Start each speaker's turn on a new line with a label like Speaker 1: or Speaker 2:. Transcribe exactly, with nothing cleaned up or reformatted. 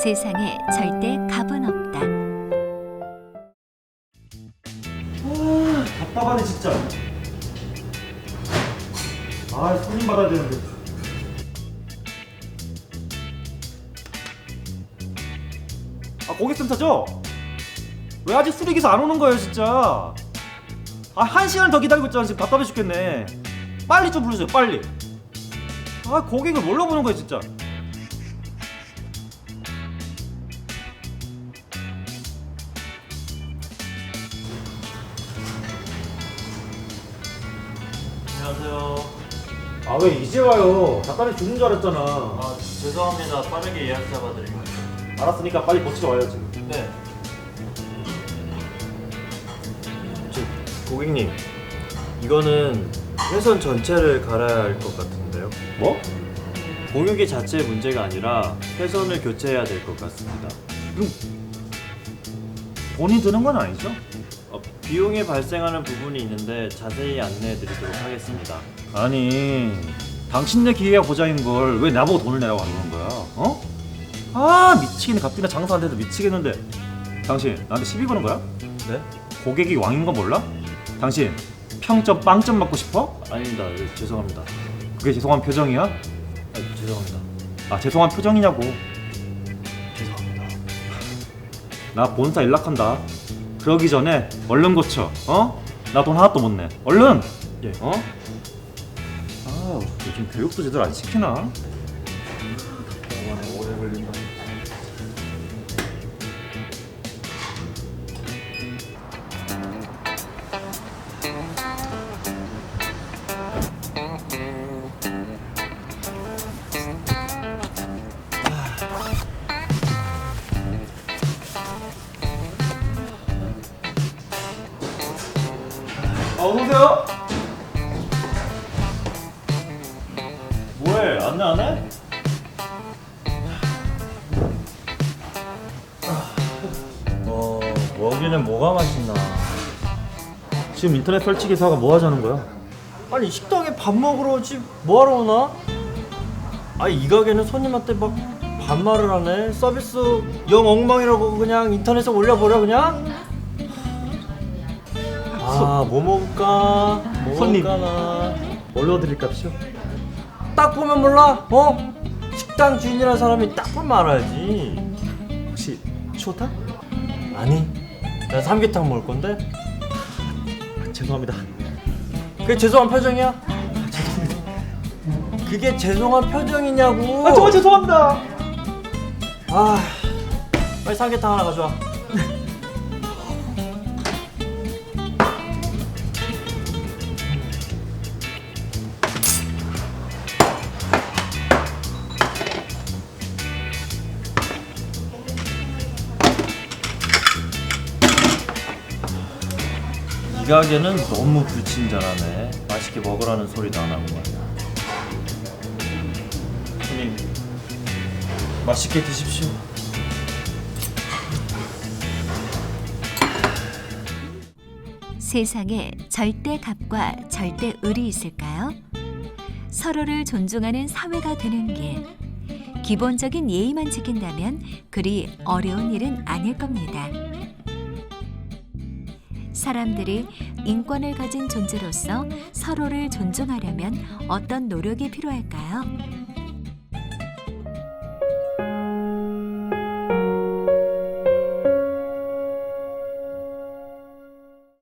Speaker 1: 세상에 절대 값은 없다.
Speaker 2: 아, 답답하네 진짜. 아, 손님 받아야 되는데. 아, 고객센터죠? 왜 아직 수리기사 안 오는 거예요 진짜? 아, 한 시간 더 기다리고 있잖아. 지금 답답해 죽겠네. 빨리 좀 부르세요 빨리. 아, 고객을 뭘로 보는 거야 진짜.
Speaker 3: 안녕하세요.
Speaker 2: 아, 왜 이제 와요? 답답해 죽는 줄 알았잖아.
Speaker 3: 아, 죄송합니다. 빠르게 예약 잡아드리고.
Speaker 2: 알았으니까 빨리 고치러 와요 지금.
Speaker 3: 네.
Speaker 4: 저, 고객님, 이거는 회선 전체를 갈아야 할 것 같은데요.
Speaker 2: 뭐?
Speaker 4: 공유기 자체의 문제가 아니라 회선을 교체해야 될 것 같습니다.
Speaker 2: 돈이 드는 건 아니죠?
Speaker 4: 어, 비용이 발생하는 부분이 있는데 자세히 안내해드리도록 하겠습니다.
Speaker 2: 아니, 당신네 기회가 보장인 걸 왜 나보고 돈을 내라고 하는 거야? 어? 아, 미치겠네. 갑자기 나 장사 안 돼서 미치겠는데. 당신 나한테 시비 거는 거야?
Speaker 4: 네?
Speaker 2: 고객이 왕인 건 몰라? 당신 평점 빵점 맞고 싶어?
Speaker 4: 아닙니다. 네, 죄송합니다.
Speaker 2: 그게 죄송한 표정이야?
Speaker 4: 아, 죄송합니다.
Speaker 2: 아, 죄송한 표정이냐고.
Speaker 4: 죄송합니다.
Speaker 2: 나 본사 연락한다. 그러기 전에 얼른 고쳐. 어? 나 돈 하나도 못 내. 얼른.
Speaker 4: 예.
Speaker 2: 어? 아, 요즘 교육도 제대로 안 시키나?
Speaker 4: 오래 걸린다.
Speaker 2: 아, 어서오세요. 뭐해? 안내 안 해?
Speaker 4: 어, 여기는 뭐가 맛있나?
Speaker 2: 지금 인터넷 설치 기사가 뭐 하자는 거야?
Speaker 4: 아니, 식당에 밥 먹으러 오지 뭐하러 오나? 아니, 이 가게는 손님한테 막 반말을 하네. 서비스 영 엉망이라고 그냥 인터넷에 올려버려 그냥? 아, 뭐 먹을까? 뭐
Speaker 2: 손님.
Speaker 4: 먹을까나?
Speaker 2: 뭘로 드릴 값이요?
Speaker 4: 딱 보면 몰라? 어? 식당 주인이라는 사람이 딱 보면 알아야지.
Speaker 2: 혹시 추어탕?
Speaker 4: 아니, 나 삼계탕 먹을 건데?
Speaker 2: 아, 죄송합니다.
Speaker 4: 그게 죄송한 표정이야? 그게 죄송한 표정이냐고?
Speaker 2: 아, 정말 죄송합니다.
Speaker 4: 아, 빨리 삼계탕 하나 가져와. 이 가게는 너무 불친절하네. 맛있게 먹으라는 소리도 안 하고 말이야. 손님, 맛있게 드십시오.
Speaker 1: 세상에 절대 값과 절대 을이 있을까요? 서로를 존중하는 사회가 되는 길. 기본적인 예의만 지킨다면 그리 어려운 일은 아닐 겁니다. 사람들이 인권을 가진 존재로서 서로를 존중하려면 어떤 노력이 필요할까요?